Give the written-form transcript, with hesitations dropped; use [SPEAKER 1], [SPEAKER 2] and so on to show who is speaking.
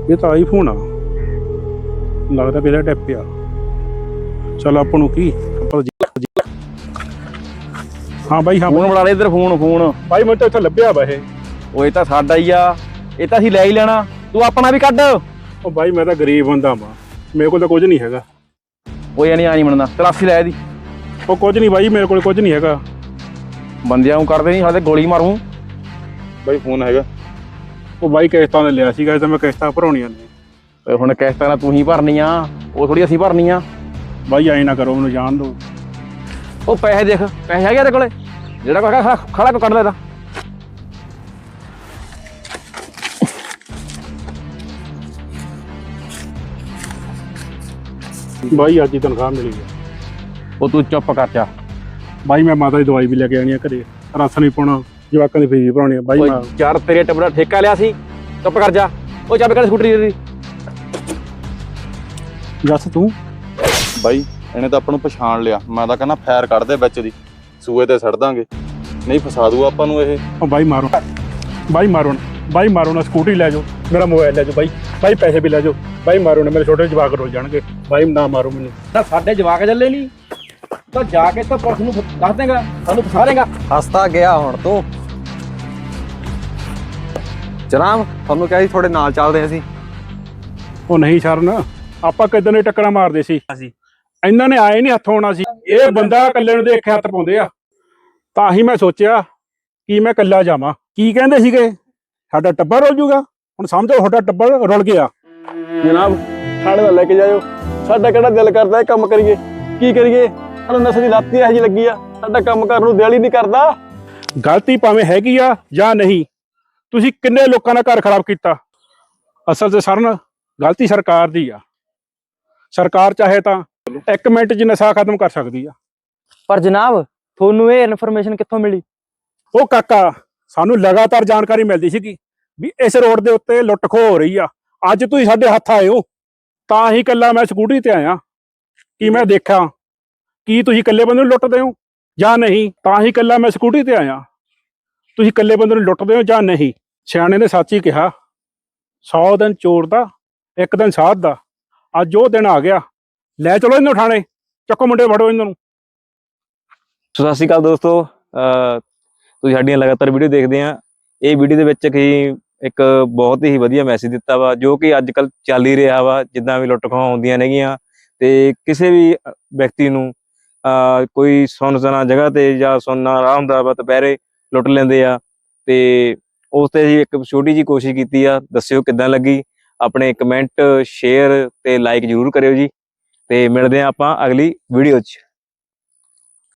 [SPEAKER 1] ਇਹ ਤਾਂ ਆਈਫੋਨ ਆ, ਲੱਗਦਾ ਮੇਰਾ ਟੈਪ ਆ। ਚਲ ਆਪਾਂ ਨੂੰ ਕੀ ਹਾਂ ਬਾਈ, ਹਾਂ
[SPEAKER 2] ਫੋਨ ਬਣਾ ਲੈ ਇੱਧਰ, ਫੋਨ
[SPEAKER 1] ਬਾਈ ਮੈਨੂੰ ਤਾਂ ਇੱਥੇ ਲੱਭਿਆ ਵਾ ਇਹ।
[SPEAKER 2] ਉਹ ਇਹ ਤਾਂ ਸਾਡਾ ਹੀ ਆ, ਇਹ ਤਾਂ ਅਸੀਂ ਲੈ ਹੀ ਲੈਣਾ, ਤੂੰ ਆਪਣਾ ਵੀ ਕੱਢ।
[SPEAKER 1] ਉਹ ਬਾਈ ਮੈਂ ਤਾਂ ਗਰੀਬ ਬੰਦਾ ਵਾਂ, ਮੇਰੇ ਕੋਲ ਤਾਂ ਕੁਝ ਨਹੀਂ ਹੈਗਾ।
[SPEAKER 2] ਉਹ ਇਹ ਨਹੀਂ ਆ ਨਹੀਂ ਬਣਦਾ, 83 ਲੈ ਇਹਦੀ।
[SPEAKER 1] ਉਹ ਕੁਝ ਨਹੀਂ ਬਾਈ, ਮੇਰੇ ਕੋਲ ਕੁਝ ਨਹੀਂ ਹੈਗਾ।
[SPEAKER 2] ਬੰਦਿਆਂ ਨੂੰ ਕਰਦੇ ਨਹੀਂ ਸਾਡੇ, ਗੋਲੀ ਮਾਰੂ।
[SPEAKER 1] ਬਾਈ ਫੋਨ ਹੈਗਾ? ਉਹ ਬਾਈ ਕਿਸ਼ਤਾਂ ਨੇ ਲਿਆ ਸੀਗਾ, ਤਾਂ ਮੈਂ ਕਿਸ਼ਤਾਂ ਭਰਾਉਣੀਆਂ ਨੇ।
[SPEAKER 2] ਹੁਣ ਕਿਸ਼ਤਾਂ ਨਾਲ ਤੂੰ ਹੀ ਭਰਨੀ ਆ, ਉਹ ਥੋੜੀ ਅਸੀਂ ਭਰਨੀ ਆ।
[SPEAKER 1] ਬਾਈ ਐਂ ਨਾ ਕਰੋ, ਮੈਨੂੰ ਜਾਣ ਦਿਓ।
[SPEAKER 2] ਉਹ ਪੈਸੇ ਦੇਖ, ਪੈਸੇ ਹੈਗੇ ਤੇਰੇ ਕੋਲੇ? ਜਿਹੜਾ ਕੋਈ ਹੈਗਾ ਖੜਾ ਕੋ ਕੱਢ ਲੈ ਇਹਦਾ।
[SPEAKER 1] ਬਾਈ ਅੱਜ ਹੀ ਤਨਖਾਹ ਮਿਲੀ ਹੈ।
[SPEAKER 2] ਉਹ ਤੂੰ ਚੁੱਪ ਕਰ ਜਾ
[SPEAKER 1] ਬਾਈ, ਮੈਂ ਮਾਤਾ ਦੀ ਦਵਾਈ ਵੀ ਲੈ ਕੇ ਆਣੀ ਆ ਘਰੇ, ਰਸ ਨਹੀਂ ਪਾਉਣਾ, ਜਵਾਕਾਂ ਦੀ ਫੀਸ ਵੀ ਭਰਾਉਣੀ ਆ ਬਾਈ। ਮੈਂ
[SPEAKER 2] ਯਾਰ ਤੇਰੇ ਟੱਬਰ ਠੇਕਾ ਲਿਆ ਸੀ, ਚੁੱਪ ਕਰ ਜਾ। ਉਹ ਚਾਬੀ ਕੱਢ ਸਕੂਟਰੀ ਦੀ।
[SPEAKER 1] ਜੱਸ ਤੂੰ
[SPEAKER 3] ਬਾਈ ਇਹਨੇ ਤਾਂ ਆਪਾਂ ਨੂੰ ਪਛਾਣ ਲਿਆ, ਮੈਂ ਤਾਂ ਕਹਿੰਦਾ ਫੈਰ ਕੱਢ ਦੇ ਵਿੱਚ ਦੀ, ਸੂਏ ਤੇ ਸੜ ਦਾਂਗੇ, ਨਹੀਂ ਫਸਾ ਦੂ ਆਪਾਂ ਨੂੰ ਇਹ।
[SPEAKER 1] ਉਹ ਬਾਈ ਮਾਰੋ, ਬਾਈ ਮਾਰੋ ਨਾ, ਬਾਈ ਮਾਰੋ ਨਾ, ਸਕੂਟਰੀ ਲੈ ਜਾਓ, ਮੇਰਾ ਮੋਬਾਈਲ ਲੈ ਜਾਓ ਬਾਈ, ਬਾਈ ਪੈਸੇ ਵੀ ਲੈ ਜਾਓ ਬਾਈ, ਮਾਰੋ ਨਾ, ਮੇਰੇ ਛੋਟੇ ਜਵਾਕ ਰੁੱਲ ਜਾਣਗੇ ਬਾਈ, ਨਾ ਮਾਰੋ ਮੈਨੂੰ।
[SPEAKER 2] ਤਾਂ ਸਾਡੇ ਜਵਾਕ ਚੱਲੇ ਨਹੀਂ ਤਾਂ ਜਾ ਕੇ ਤਾਂ ਪੁਲਿਸ ਨੂੰ ਦੱਸ ਦੇਗਾ, ਸਾਨੂੰ ਫਸਾ ਦੇਗਾ।
[SPEAKER 4] ਹੱਸਦਾ ਗਿਆ ਹੁਣ ਤੂੰ। ਜਨਾਬ ਤੁਹਾਨੂੰ ਕਿਹਾ ਸੀ ਤੁਹਾਡੇ ਨਾਲ ਚੱਲਦੇ ਅਸੀਂ।
[SPEAKER 1] ਉਹ ਨਹੀਂ ਸ਼ਰਨ, ਆਪਾਂ ਕਿੱਦਾਂ ਨੇ ਟੱਕਰਾਂ ਮਾਰਦੇ ਸੀ, ਇਹਨਾਂ ਨੇ ਆਏ ਨਹੀਂ ਹੱਥੋਂ ਆਉਣਾ ਸੀ। ਇਹ ਬੰਦਾ ਇਕੱਲੇ ਨੂੰ ਦੇਖ ਕੇ ਹੱਥ ਪਾਉਂਦੇ ਆ, ਤਾਂ ਹੀ ਮੈਂ ਸੋਚਿਆ ਕਿ ਮੈਂ ਇਕੱਲਾ ਜਾਵਾਂ। ਕੀ ਕਹਿੰਦੇ ਸੀਗੇ, ਸਾਡਾ ਟੱਬਰ ਰੁੱਲ ਜੂਗਾ। ਹੁਣ ਸਮਝੋ ਤੁਹਾਡਾ ਟੱਬਰ ਰੁੱਲ ਗਿਆ।
[SPEAKER 2] ਜਨਾਬ ਸਾਡੇ ਨਾਲ ਲੈ ਕੇ ਜਾਇਓ, ਸਾਡਾ ਕਿਹੜਾ ਦਿਲ ਕਰਦਾ ਇਹ ਕੰਮ ਕਰੀਏ, ਕੀ ਕਰੀਏ? ਸਾਨੂੰ ਨਸ਼ੇ ਦੀ ਲੱਤ ਹੀ ਇਹੋ ਜਿਹੀ ਲੱਗੀ ਆ, ਸਾਡਾ ਕੰਮ ਕਰਨ ਨੂੰ ਦਿਲ ਹੀ ਨਹੀਂ ਕਰਦਾ।
[SPEAKER 1] ਗਲਤੀ ਭਾਵੇਂ ਹੈਗੀ ਆ ਜਾਂ ਨਹੀਂ, ਤੁਸੀਂ ਕਿੰਨੇ ਲੋਕਾਂ ਦਾ ਘਰ ਖਰਾਬ ਕੀਤਾ। ਅਸਲ 'ਚ ਸਰਨ ਗਲਤੀ ਸਰਕਾਰ ਦੀ ਆ। ਸਰਕਾਰ ਚਾਹੇ ਤਾਂ 1 ਮਿੰਟ 'ਚ ਨਸ਼ਾ ਖਤਮ ਕਰ ਸਕਦੀ ਆ।
[SPEAKER 2] ਪਰ ਜਨਾਬ ਤੁਹਾਨੂੰ ਇਹ ਇਨਫੋਰਮੇਸ਼ਨ ਕਿੱਥੋਂ ਮਿਲੀ?
[SPEAKER 1] ਉਹ ਕਾਕਾ, ਸਾਨੂੰ ਲਗਾਤਾਰ ਜਾਣਕਾਰੀ ਮਿਲਦੀ ਸੀਗੀ ਵੀ ਇਸ ਰੋਡ ਦੇ ਉੱਤੇ ਲੁੱਟ ਖੋਹ ਹੋ ਰਹੀ ਆ। ਅੱਜ ਤੁਸੀਂ ਸਾਡੇ ਹੱਥ ਆਏ ਹੋ, ਤਾਂ ਹੀ ਇਕੱਲਾ ਮੈਂ ਸਕੂਟਰੀ ਤੇ ਆਇਆ ਕਿ ਮੈਂ ਦੇਖਾਂ ਕੀ ਤੁਸੀਂ ਇਕੱਲੇ ਬੰਦੇ ਨੂੰ ਲੁੱਟਦੇ ਹੋ ਜਾਂ ਨਹੀਂ। ਤਾਂ ਹੀ ਇਕੱਲਾ ਮੈਂ ਸਕੂਟਰੀ ਤੇ ਆਇਆ, ਤੁਸੀਂ ਇਕੱਲੇ ਬੰਦੇ ਨੂੰ ਲੁੱਟਦੇ ਹੋ ਜਾਂ ਨਹੀਂ। ਸਿਆਣੇ ਨੇ ਸੱਚ ਹੀ ਕਿਹਾ, 100 ਦਿਨ ਚੋਰ ਦਾ 1 ਦਿਨ ਸਾਧ ਦਾ। ਅੱਜ ਉਹ ਦਿਨ ਆ ਗਿਆ, ਲੈ ਚਲੋ ਇਹਨੂੰ ਥਾਣੇ, ਚੱਕੋ ਮੁੰਡੇ ਫੜੋ ਇਹਨਾਂ ਨੂੰ।
[SPEAKER 5] ਸਤਿ ਸ਼੍ਰੀ ਅਕਾਲ ਦੋਸਤੋ, ਤੁਸੀਂ ਸਾਡੀਆਂ ਲਗਾਤਾਰ ਵੀਡੀਓ ਦੇਖਦੇ ਆ। ਇਹ ਵੀਡੀਓ ਦੇ ਵਿੱਚ ਇੱਕ ਬਹੁਤ ਹੀ ਵਧੀਆ ਮੈਸੇਜ ਦਿੱਤਾ ਵਾ, ਜੋ ਕਿ ਅੱਜ ਕੱਲ ਚੱਲ ਹੀ ਰਿਹਾ ਵਾ। ਜਿੱਦਾਂ ਵੀ ਲੁੱਟ ਖੋਹਾਂ ਹੁੰਦੀਆਂ ਨੇਗੀਆਂ ਤੇ ਕਿਸੇ ਵੀ ਵਿਅਕਤੀ ਨੂੰ ਕੋਈ ਸੁੰਨਸਾਨ ਜਗ੍ਹਾ ਤੇ ਜਾਂ ਸੁੰਨਾ ਰਾਹ ਹੁੰਦਾ ਵਾ, ਦੁਪਹਿਰੇ ਲੁੱਟ ਲੈਂਦੇ ਆ। ਤੇ ਉਸ ਤੇ ਅਸੀਂ ਇੱਕ ਛੋਟੀ ਜਿਹੀ ਕੋਸ਼ਿਸ਼ ਕੀਤੀ ਆ, ਦੱਸਿਓ ਕਿੱਦਾਂ ਲੱਗੀ। ਆਪਣੇ ਕਮੈਂਟ, ਸ਼ੇਅਰ ਤੇ ਲਾਈਕ ਜ਼ਰੂਰ ਕਰਿਓ ਜੀ। ਤੇ ਮਿਲਦੇ ਆ ਆਪਾਂ ਅਗਲੀ ਵੀਡੀਓ 'ਚ।